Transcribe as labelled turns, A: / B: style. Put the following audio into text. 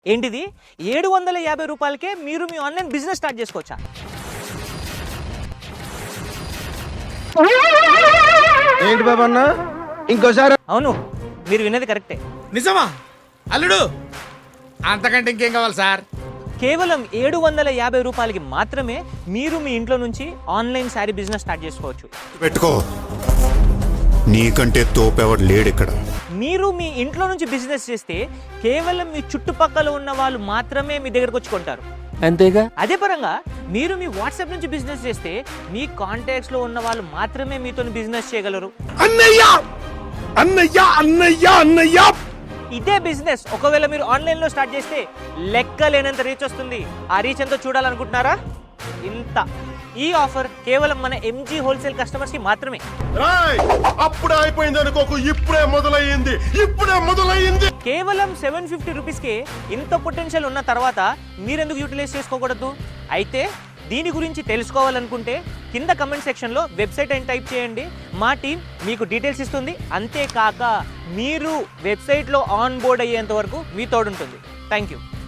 A: ఏంటిది 750 రూపాయలకే మీరు మీ ఆన్లైన్ బిజినెస్ స్టార్ట్ చేసుకోవచ్చా?
B: ఏంటి బాబు అన్న ఇంకోసారి?
A: అవును, మీరు విన్నది కరెక్టే.
C: నిజమా అల్లుడు? అంతకంటే ఇంకేం కావాలి సార్?
A: కేవలం 750 రూపాయలకి మాత్రమే మీరు మీ ఇంట్లో నుంచి ఆన్లైన్ శారీ బిజినెస్ స్టార్ట్ చేసుకోవచ్చు.
D: పెట్టుకో, నీకంటే తోపెవడు లేడు ఇక్కడ.
A: మీరు మీ ఇంట్లో నుంచి బిజినెస్ చేస్తే కేవలం మీ చుట్టుపక్కల ఉన్న వాళ్ళు మాత్రమే మీ దగ్గరకు వచ్చి కొంటారు.
E: అంతేగా?
A: అదే పరంగా మీరు మీ వాట్సాప్ నుంచి బిజినెస్ చేస్తే మీ కాంటాక్ట్స్ లో ఉన్న వాళ్ళు మాత్రమే మీతో బిజినెస్ చేయగలరు.
B: అన్నయ్య అన్నయ్య అన్నయ్య అన్నయ్య
A: ఇదే బిజినెస్ ఒకవేళ మీరు ఆన్లైన్ లో స్టార్ట్ చేస్తే లెక్క లేనంత రీచ్ వస్తుంది. ఆ రీచ్ ఎంతో చూడాలనుకుంటున్నారా? ఇంత. ఈ ఆఫర్ కేవలం మన ఎంజీ హోల్సేల్ కస్టమర్స్ కి మాత్రమే.
D: అప్పుడే అయిపోయింది అనుకోకు, ఇప్పుడే మొదలయ్యింది.
A: కేవలం 750 రూపీస్కే ఇంత పొటెన్షియల్ ఉన్న తర్వాత మీరెందుకు యూటిలైజ్ చేసుకోకూడదు? అయితే దీని గురించి తెలుసుకోవాలనుకుంటే కింద కమెంట్ సెక్షన్లో వెబ్సైట్ అని టైప్ చేయండి. మా టీం మీకు డీటెయిల్స్ ఇస్తుంది. అంతేకాక మీరు వెబ్సైట్లో ఆన్ బోర్డ్ అయ్యేంత వరకు మీ తోడుంటుంది. Thank you.